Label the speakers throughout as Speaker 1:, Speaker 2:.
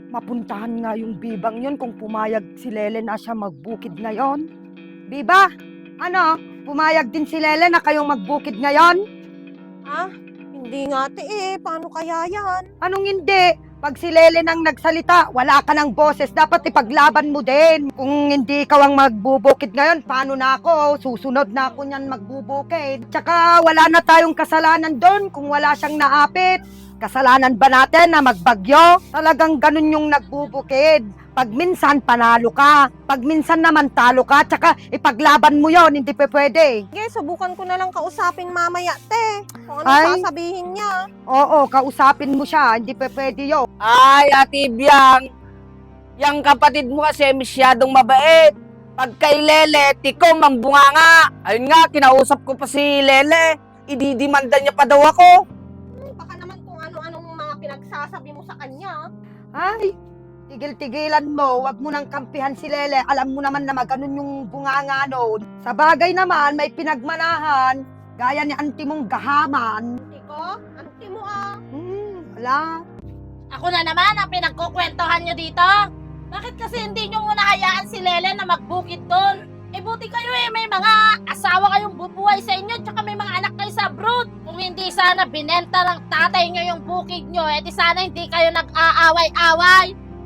Speaker 1: mapuntahan nga yung bibang yun kung pumayag si Lele na siya magbukid ngayon. Biba, ano? Pumayag din si Lele na kayong magbukid ngayon?
Speaker 2: Ah, hindi nga ate eh. Paano kaya yan?
Speaker 1: Anong hindi? Pag si Lele nang nagsalita, wala ka ng boses. Dapat ipaglaban mo din. Kung hindi ikaw ang magbubukid ngayon, paano na ako? Susunod na ako niyan magbubukid. Tsaka wala na tayong kasalanan doon kung wala siyang naapit. Kasalanan ba natin na magbagyo? Talagang ganun yung nagbubukid. Pag minsan panalo ka, pag minsan naman talo ka, tsaka ipaglaban mo yon, hindi pa pwede.
Speaker 2: Sige, subukan ko na lang kausapin mamaya, te. Kung ano
Speaker 1: Ay.
Speaker 2: sasabihin niya.
Speaker 1: Oo, kausapin mo siya, hindi pa pwede yun.
Speaker 3: Ay, Ate Biang, yung kapatid mo kasi masyadong mabait. Pag kay Lele, tikom ang bunganga. Ayun nga, kinausap ko pa si Lele. Ididimanda niya pa daw ako.
Speaker 2: Baka naman kung ano-anong mga pinagsasabi mo sa kanya.
Speaker 1: Ay, tigil-tigilan mo, wag mo nang kampihan si Lele. Alam mo naman na maganon yung bunganga noon. Sa bagay naman, may pinagmanahan, gaya ni auntie mong gahaman.
Speaker 2: Iko, auntie mo ah.
Speaker 1: Wala.
Speaker 4: Ako na naman ang pinagkukwentuhan nyo dito. Bakit kasi hindi nyo muna hayaan si Lele na magbukid doon? Eh buti kayo eh, may mga asawa kayong bubuhay sa inyo, tsaka may mga anak kayo sa abroad. Kung hindi sana binenta ng tatay nyo yung bukid nyo, eh di sana hindi kayo nag-aaway-away.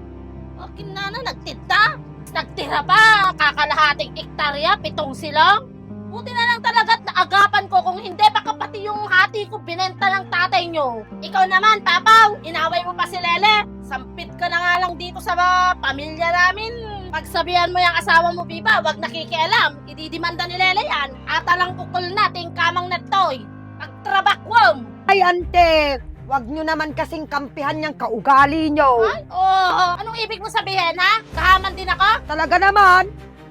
Speaker 4: Okay na nagtinda. Nagtira pa, kakalahating ektarya, 7 silong. Buti na lang talaga at naagapan ko, kung hindi baka pati yung hati ko binenta ng tatay nyo. Ikaw naman, Papaw, inaway mo pa si Lele. Sampit ka na nga lang dito sa pamilya namin. Pagsabihan mo yung asawa mo, Biba, wag nakikialam. Ididimanda ni Lele yan. Ata lang ukol nating kamang natoy. Pagtrabakwom.
Speaker 1: Ay, ante, wag nyo naman kasing kampihan yung kaugali nyo.
Speaker 4: Ay, oh, anong ibig mo sabihin, ha? Kahaman din ako?
Speaker 1: Talaga naman.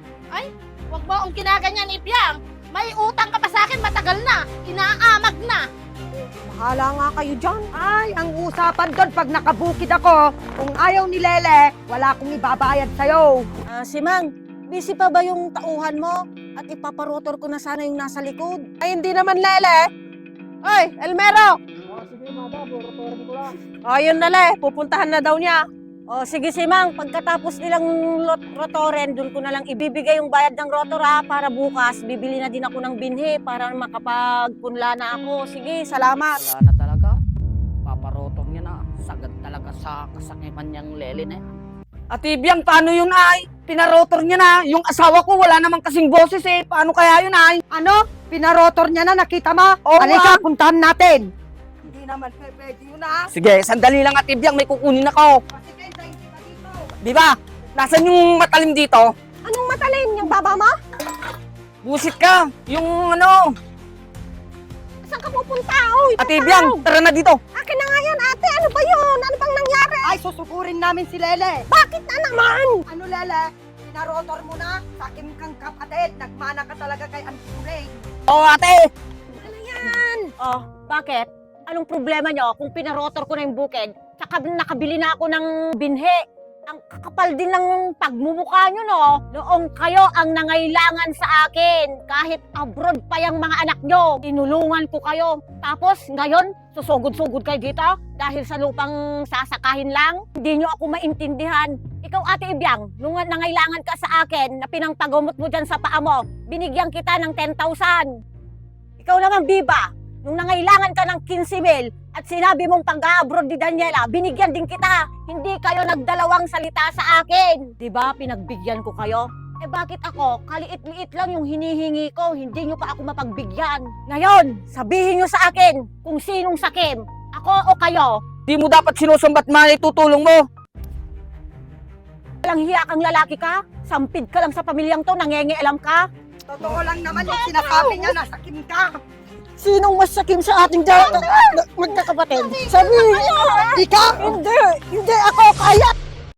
Speaker 4: Wag mo akong kinaganyan, Ibyang. May utang ka pa sa akin, matagal na. Inaamag na.
Speaker 2: Bahala nga kayo dyan.
Speaker 1: Ay, ang usapan doon pag nakabukid ako, kung ayaw ni Lele, wala akong ibabayad sa'yo.
Speaker 2: Si Mang, busy pa ba yung tauhan mo? At ipaparotor ko na sana yung nasa likod. Ay, hindi naman, Lele. Oy, Elmero!
Speaker 3: Sige, madam, rotorin ko lang.
Speaker 2: Yun na, Le. Pupuntahan na daw niya. Sige, si Mang. Pagkatapos nilang rotoren, dun ko na lang ibibigay yung bayad ng rotor, ha? Para bukas, bibili na din ako ng binhi para makapagpunla na ako. Sige, salamat.
Speaker 3: Wala na talaga. Paparotong niya na. Sagad talaga sa kasakiman niyang Lele na yan. Ate Biang, paano yun ay? Pinarotor niya na. Yung asawa ko wala namang kasing boses eh. Paano kaya yun ay?
Speaker 1: Ano? Pinarotor niya na, nakita mo?
Speaker 3: Oo,
Speaker 1: Halika, puntahan natin. Hindi naman pwede yun, ha?
Speaker 3: Sige, sandali lang Ate Biang. May kukunin ako.
Speaker 1: Sige, tayo kita dito.
Speaker 3: Di ba? Nasaan yung matalim dito?
Speaker 2: Anong matalim? Yung baba mo?
Speaker 3: Busit ka. Yung ano.
Speaker 2: Saan ka pupunta? Oy,
Speaker 3: Ate Biang, tara na dito.
Speaker 2: akin na nga yan, ate. Ano ba yun? Ano bang nangyari?
Speaker 1: Ay, susukurin namin si Lele.
Speaker 2: Bakit na naman?
Speaker 1: Ano, Lele? Pinarotor mo na? Sakim kang kapatid. Nagmana ka talaga kay Auntie Kulay.
Speaker 3: Oo, ate.
Speaker 2: Bakit? Anong problema nyo kung pinarotor ko na yung bukid? Tsaka nakabili na ako ng binhi. Ang kakapal din ng pagmumukha nyo, no? Noong kayo ang nangailangan sa akin, kahit abroad pa yung mga anak nyo, tinulungan ko kayo. Tapos ngayon, susugod-sugod kayo dito dahil sa lupang sasakahin lang. Hindi nyo ako maintindihan. Ikaw, Ate Ibyang, nung nangailangan ka sa akin na pinangpagumot mo dyan sa paa mo, binigyan kita ng 10,000. Ikaw naman, Biba, nung nangailangan ka ng 15,000 at sinabi mong pag-abroad ni Daniela, binigyan din kita. Hindi kayo nagdalawang salita sa akin. Diba, pinagbigyan ko kayo? Eh bakit ako, kaliit-liit lang yung hinihingi ko, hindi nyo pa ako mapagbigyan. Ngayon, sabihin nyo sa akin kung sinong sakim, ako o kayo.
Speaker 3: Di mo dapat sinusumbat man itutulong mo.
Speaker 2: Walang hiya kang lalaki ka? Sampid ka lang sa pamilyang to, nangengialam ka?
Speaker 1: Totoo lang naman yung sinasabi niya, nasakim ka.
Speaker 2: Sinong mas sakim sa ating magkakapatid? Sabi,
Speaker 1: Ikaw!
Speaker 2: hindi ako kaya.